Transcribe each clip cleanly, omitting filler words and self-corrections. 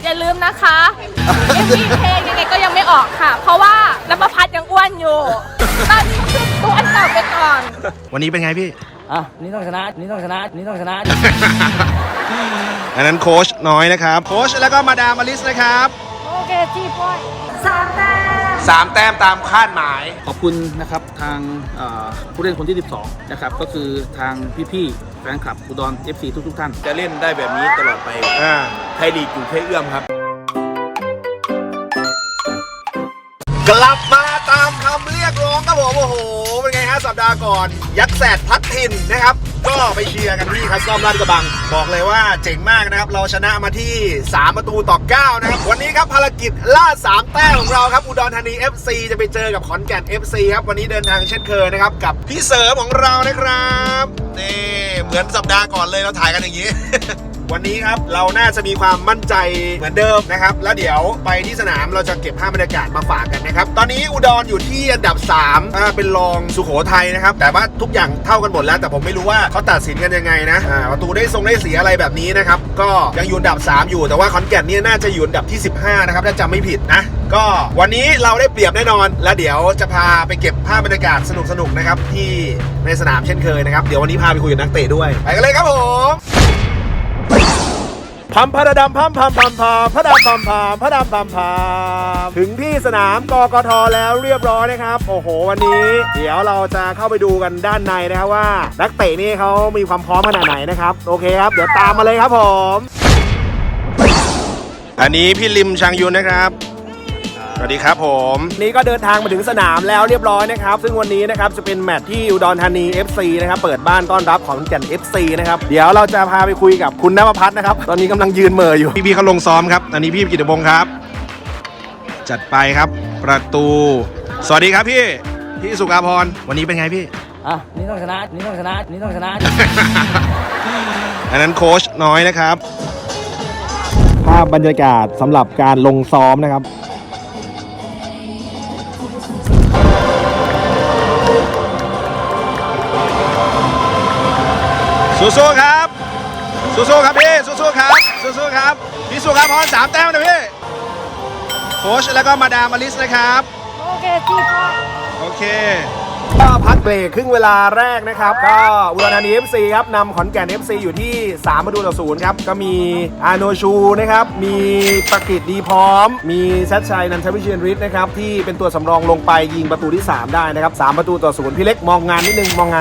อย่าลืมนะคะMVเพลงยังไงก็ยังไม่ออกค่ะ เพราะว่าน้ำประพัดยังอ้วนอยู่ ตอนนี้คือตัวอันเก่าไปก่อนวันนี้เป็นไงพี่นี่ต้องชนะ นี่ต้องชนะ นี่ต้องชนะอันนั้นโค้ชน้อยนะครับ โค้ชแล้วก็มาดามอลิสนะครับโอเคจีบอย3 แต้ม 3 แต้มตามคาดหมายขอบคุณนะครับทางผู้เล่นคนที่ 12 นะครับ ก็คือทางพี่ๆแฟนคลับอุดร FC ทุกท่านจะเล่นได้แบบนี้ตลอดไปไทยลีกอยู่แค่เอื้อมครับกลับมาตามคำเรียกร้องครับผมโอ้โหเป็นไงฮะสัปดาห์ก่อน ยักษ์แสดพัดถิ่นนะครับ ก็ไปเชียร์กันที่คัสตอมลาดกระบัง บอกเลยว่าเจ๋งมากนะครับ เราชนะมาที่3-9นะครับวันนี้ครับภารกิจล่า3 แต้มของเราครับอุดรธานี FC จะไปเจอกับขอนแก่น FC ครับวันนี้เดินทางเช่นเคยนะครับกับพี่เสริมของเรานะครับนี่เหมือนสัปดาห์ก่อนเลยเราถ่ายกันอย่างนี้ วันนี้ครับเราน่าจะมีความมั่นใจเหมือนเดิมนะครับแล้วเดี๋ยวไปที่สนามเราจะเก็บภาพบรรยากาศมาฝากกันนะครับตอนนี้อุดรอยู่ที่อันดับ3เป็นรองสุโขทัยนะครับแต่ว่าทุกอย่างเท่ากันหมดแล้วแต่ผมไม่รู้ว่าเขาตัดสินกันยังไงนะประตูได้เสียอะไรแบบนี้นะครับก็ยังอยู่อันดับ3อยู่แต่ว่าขอนแก่นเนี่ยน่าจะอยู่อันดับที่15นะครับถ้าจำไม่ผิดนะก็วันนี้เราได้เปรียบแน่นอนแล้วเดี๋ยวจะพาไปเก็บภาพบรรยากาศสนุกๆนะครับที่ในสนามเช่นเคยนะครับเดี๋ยววันนี้พาไปคุยกับนักเตะด้วยไปกันเลยครับผมพัมพระดำพัมพัมพัมพัมพระดำพัมพัมพระดำพัมพัมถึงที่สนามกกทแล้วเรียบร้อยนะครับโอ้โหวันนี้เดี๋ยวเราจะเข้าไปดูกันด้านในนะครับว่านักเตะนี่เขามีความพร้อมขนาดไหนนะครับโอเคครับเดี๋ยวตามมาเลยครับผมอันนี้พี่ลิมชังยุนนะครับสวัสดีครับผมนี่ก็เดินทางมาถึงสนามแล้วเรียบร้อยนะครับซึ่งวันนี้นะครับจะเป็นแมตช์ที่อุดรธานี FC นะครับเปิดบ้านต้อนรับขอนแก่น FC นะครับเดี๋ยวเราจะพาไปคุยกับคุณณภพัฒน์นะครับตอนนี้กำลังยืนเหม่ออยู่พี่เขาลงซ้อมครับอันนี้พี่กิตติพงศ์ครับจัดไปครับประตูสวัสดีครับพี่สุภาพรวันนี้เป็นไงพี่นี่ต้องชนะ นี่ต้องชนะ นี่ต้องชนะอันนั้นโค้ชน้อยนะครับภาพบรรยากาศสำหรับการลงซ้อมนะครับสู้ๆครับสู้ๆครับพี่สู้ๆครับสู้ๆครับพี่สุภาพร3 แต้มนะพี่โค้ชแล้วก็มาดามอลิสนะครับโอเคจีบอยโอเคก็พักเบรกครึ่งเวลาแรกนะครับก็อุดรธานี FC ครับนำขอนแก่น FC อยู่ที่3-0ครับก็มีอาโนชูนะครับมีประกิตดีพร้อมมีชัดชัยนันทวิเชียรฤทธิ์นะครับที่เป็นตัวสำรองลงไปยิงประตูที่3ได้นะครับ3-0พี่เล็กมองงานนิดนึงมองงาน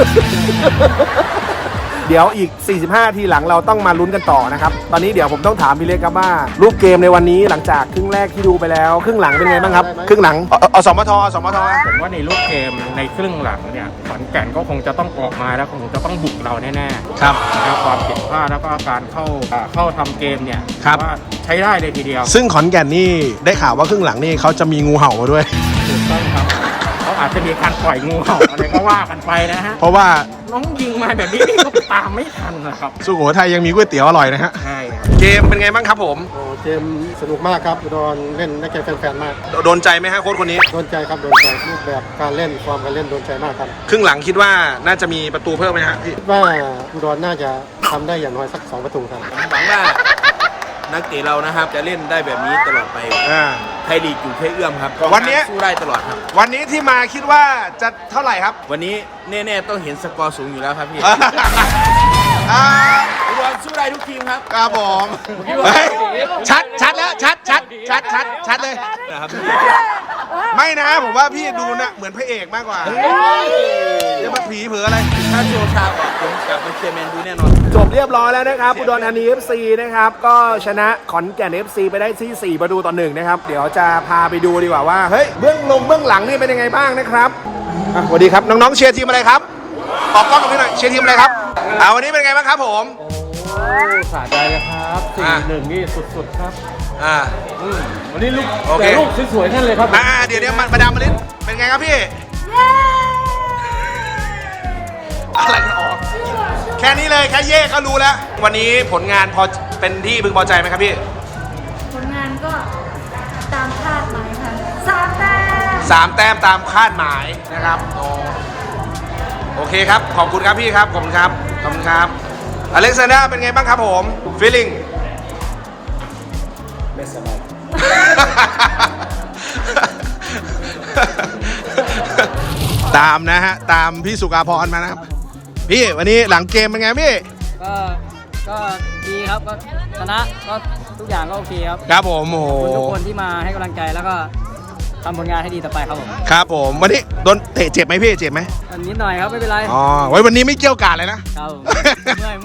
เดี๋ยวอีก45 นาทีหลังเราต้องมาลุ้นกันต่อนะครับตอนนี้เดี๋ยวผมต้องถามพี่เล็กครับว่ารูปเกมในวันนี้หลังจากครึ่งแรกที่ดูไปแล้วครึ่งหลังเป็นไงบ้างครับครึ่งหลังอสมทผมว่าในรูปเกมในครึ่งหลังเนี่ยขอนแก่นก็คงจะต้องออกมาแล้วคงจะต้องบุกเราแน่ๆครับนะครับความผิดพลาดแล้วก็การเข้าทำเกมเนี่ยว่าใช้ได้เลยทีเดียวซึ่งขอนแก่นนี่ได้ข่าวว่าครึ่งหลังนี่เขาจะมีงูเห่ามาด้วยถูกต้องครับเขาอาจจะมีการปล่อยงูเห่าอะไรก็ว่ากันไปนะฮะเพราะว่าน้องยิงมาแบบนี้ก็ตามไม่ทันนะครับสุโขทัยยังมีก๋วยเตี๋ยวอร่อยนะฮะใช่เกมเป็นไงบ้างครับผมเกมสนุกมากครับอุดรเล่นได้แก่แฟนๆมากโดนใจไหมฮะโค้ชคนนี้โดนใจครับโดนใจรูปแบบการเล่นความการเล่นโดนใจมากครับครึ่งหลังคิดว่าน่าจะมีประตูเพิ่มไหมฮะคิดว่าอุดรน่าจะทำได้อย่างน้อยสัก2 ประตูครับหวังว่านักเตะเรานะครับจะเล่นได้แบบนี้ตลอดไปไทยลีกอยู่แค่เอื้อมครับวันนี้สู้ได้ตลอดครับวันนี้ที่มาคิดว่าจะเท่าไหร่ครับวันนี้แน่ๆต้องเห็นสกอร์สูงอยู่แล้วครับพี่อุดรสู้ได้ทุกทีมครับครับผมชัดแล้วชัดเลยนะครับไม่นะผมว่าพี่ดูนะเหมือนพระเอกมากกว่าจะมาผีเผืออะไรถ้าโชว์ชาออกผมกลับไปเชียร์แมนดูแน่นอนจบเรียบร้อยแล้วนะครับอุดรธานี FC นะครับก็ชนะขอนแก่น FC ไปได้ที่4-1นะครับเดี๋ยวจะพาไปดูดีกว่าว่าเฮ้ยเบื้องหลังนี่เป็นยังไงบ้างนะครับสวัสดีครับน้องๆเชียร์ทีมอะไรครับออกกล้องกับพี่หน่อยเชียร์ทีมอะไรครับวันนี้เป็นไงบ้างครับผมสะใจเลยครับ4-1นี่สุดๆครับวันนี้ลูกสวยๆนั่นเลยครับเดี๋ยวมาดามมาลินเป็นไงครับพี่อะไรกันออกแค่นี้เลยแค่เย่ก็รู้แล้ววันนี้ผลงานพอเป็นที่พึงพอใจไหมครับพี่ผลงานก็ตามคาดหมายค่ะ3 แต้ม 3 แต้มตามคาดหมายนะครับโอเคครับขอบคุณครับพี่ครับขอบคุณครับอเล็กซานดราเป็นไงบ้างครับผมฟีลลิ่งไม่สบายตามนะฮะตามพี่สุกาพรมานะครับพี่วันนี้หลังเกมเป็นไงพี่ก็ดีครับก็ชนะก็ทุกอย่างก็โอเคครับครับผมโอ้โหขอบคุณทุกคนที่มาให้กำลังใจแล้วก็ทำผลงานให้ดีต่อไปครับผมครับผมวันนี้โดนเตะเจ็บไหมพี่เจ็บไหมวันนิดหน่อยครับไม่เป็นไรอ๋อไว้วันนี้ไม่เกี่ยวกาดเลยนะครับผมเมื่อย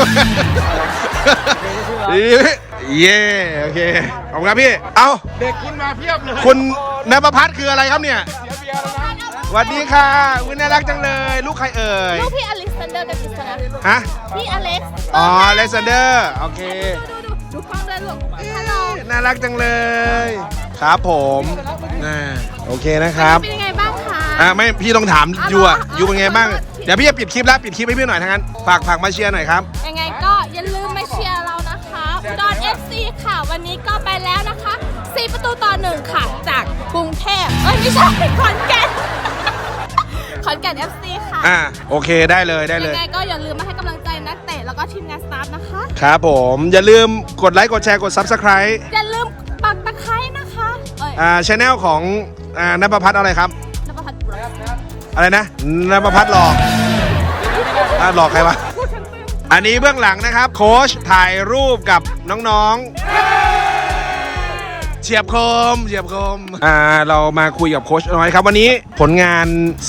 เย้โอเคขอบคุณครับพี่เอ้าเด็กคุณมาเพียบเลยคุณนภพัฒน์คืออะไรครับเนี่ยสวัสดีค่ะอุ๊ยน่ารักจังเลยลูกใครเอ่ยลูกพี่อเล็กซานเดอร์กับกิษณะฮะพี่อเล็กซ์อ๋อเลซเดอร์โอเคดูกล้องด้วยลูกฮัลโหลน่ารักจังเลย ครับผมโอเคนะครับเป็นยังไงบ้างคะไม่พี่ต้องถามยูอ่ะยูเป็นไงบ้างเดี๋ยวพี่จะปิดคลิปแล้วปิดคลิปให้พี่หน่อยทั้งนั้นฝากมาเชียร์หน่อยครับยังไงก็อย่าลืมมาเชียร์เรานะคะอุดร FC ค่ะวันนี้ก็ไปแล้วนะคะ4-1ค่ะจากกรุงเทพไม่ใช่ขอนแก่น ขอนแก่น FC ค่ะโอเคได้เลยยังไงก็อย่าลืมมาให้กำลังใจนักเตะแล้วก็ทีมงานสตาฟนะคะครับผมอย่าลืมกดไลค์กดแชร์กด Subscribe อย่าลืมปักตะไคร้นะคะชแนลของนภพัฒน์อะไรครับนภพัฒน์อะไรนะนภพัฒน์หลอกหลอกใครวะอันนี้เบื้องหลังนะครับโค้ชถ่ายรูปกับน้องๆเฉียบคมเรามาคุยกับโค้ชน้อยครับวันนี้ผลงาน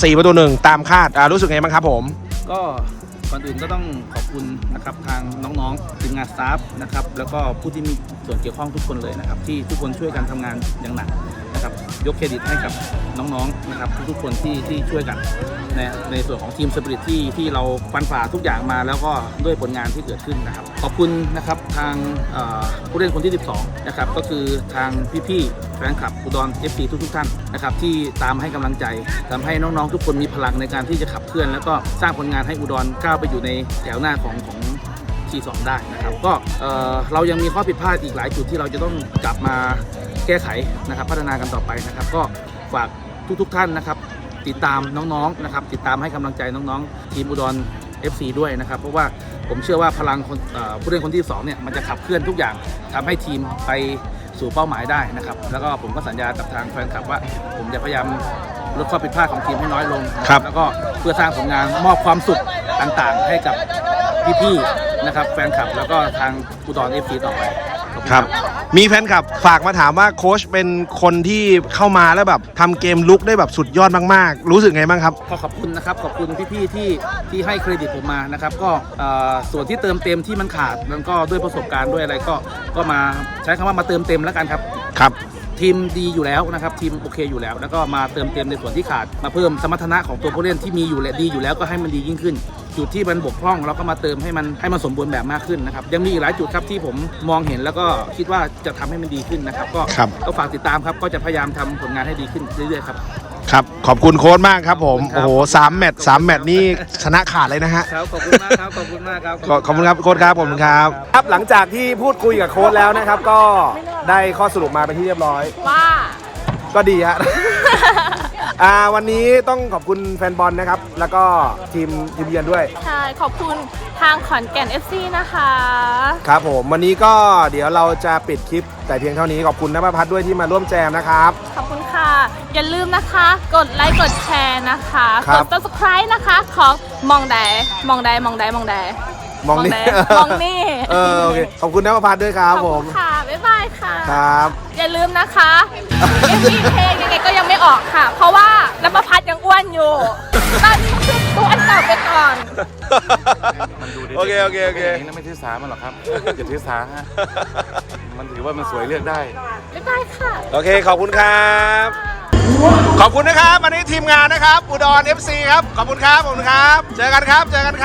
4-1ตามคาดรู้สึกไงบ้างครับผมก็ก่อนอื่นก็ต้องขอบคุณนะครับทางน้องๆทีมงานสตาฟนะครับแล้วก็ผู้ที่มีส่วนเกี่ยวข้องทุกคนเลยนะครับที่ทุกคนช่วยกันทำงานอย่างหนักนะครับยกเครดิตให้กับน้องๆนะครับทุกๆคนที่ช่วยกันในส่วนของทีมสปิริตที่เราฟันฝ่าทุกอย่างมาแล้วก็ด้วยผลงานที่เกิดขึ้นนะครับขอบคุณนะครับทางผู้เล่นคนที่12นะครับก็คือทางพี่ๆแฟนคลับอุดร FC ทุกท่านนะครับที่ตามให้กำลังใจทำให้น้องๆทุกคนมีพลังในการที่จะขับเคลื่อนแล้วก็สร้างผลงานให้อุดรก้าวไปอยู่ในแถวหน้าของที2ได้นะครับก็เรายังมีข้อผิดพลาดอีกหลายจุดที่เราจะต้องกลับมาแก้ไขนะครับพัฒนากันต่อไปนะครับก็ฝากทุกท่านนะครับติดตามน้องๆนะครับติดตามให้กำลังใจน้องๆทีมอุดร FC ด้วยนะครับเพราะว่าผมเชื่อว่าพลังผู้เล่นคนที่2เนี่ยมันจะขับเคลื่อนทุกอย่างทำให้ทีมไปสู่เป้าหมายได้นะครับแล้วก็ผมก็สัญญากับทางแฟนคลับว่าผมจะพยายามลดข้อผิดพลาดของทีมให้น้อยลงแล้วก็เพื่อสร้างผลงานมอบความสุขต่างๆให้กับพี่ๆนะครับแฟนคลับแล้วก็ทางอุดร FC ต่อไปครับมีแฟนคลับฝากมาถามว่าโค้ชเป็นคนที่เข้ามาแล้วแบบทำเกมลุกได้แบบสุดยอดมากๆรู้สึกไงบ้างครับขอบคุณนะครับขอบคุณพี่ๆที่ให้เครดิตผมมานะครับก็ส่วนที่เติมเต็มที่มันขาดมันก็ด้วยประสบการณ์ด้วยอะไรก็มาใช้คำว่ามาเติมเต็มแล้วกันครับครับทีมดีอยู่แล้วนะครับทีมโอเคอยู่แล้วแล้วก็มาเติมเต็มในส่วนที่ขาดมาเพิ่มสมรรถนะของตัวผู้เล่นที่มีอยู่และดีอยู่แล้วก็ให้มันดียิ่งขึ้นจุดที่มันบกพร่องเราก็มาเติมให้มันสมบูรณ์แบบมากขึ้นนะครับยังมีอีกหลายจุดครับที่ผมมองเห็นแล้วก็คิดว่าจะทำให้มันดีขึ้นนะครับก็ฝากติดตามครับก็จะพยายามทำผลงานให้ดีขึ้นเรื่อยๆครับครับขอบคุณโค้ชมากครับผมโอ้โห3 แมตช์นี่ชนะขาดเลยนะฮะครับขอบคุณมากครับขอบคุณมากครับขอบคุณครับโค้ชครับขอบคุณครับครับหลังจากที่พูดคุยกับโค้ชแล้วนะครับก็ได้ข้อสรุปมาเป็นที่เรียบร้อยว่าก็ดีฮะ วันนี้ต้องขอบคุณแฟนบอลนะครับแล้วก็ทีมเยือนด้วยใช่ขอบคุณทางขอนแก่น FC นะคะครับผมวันนี้ก็เดี๋ยวเราจะปิดคลิปแต่เพียงเท่านี้ขอบคุณนภพัฒน์ด้วยที่มาร่วมแจมนะครับขอบคุณค่ะอย่าลืมนะคะกดไลค์กดแชร์นะคะกด Subscribe นะคะของมองนี่โอเคขอบคุณนภพัฒน์ด้วยครับผมค่ะบ๊ายบายค่ะครับอย่าลืมนะคะยังมีเพลงยังไงก็ยังไม่ออกค่ะเพราะว่านภพัฒน์ยังอ้วนอยู่ตอนนี้คือตัวอันเก่าไปก่อนโอเคนี่ไม่ถือสามันหรอกครับอย่าถือสาฮะมันถือว่ามันสวยเลือกได้บ๊ายบายค่ะโอเคขอบคุณครับขอบคุณนะครับวันนี้ทีมงานนะครับอุดร FC ครับขอบคุณครับเจอกันครับเจอกัน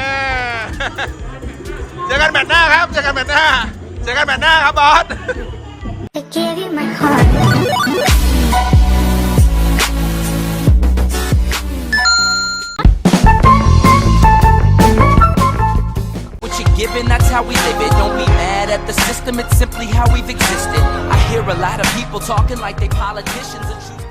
แมตช์หน้าครับเจอกันแมตช์หน้าครับบอส Given, that's how we live it. Don't be mad at the system, it's simply how we've existed. I hear a lot of people talking like they politicians and choose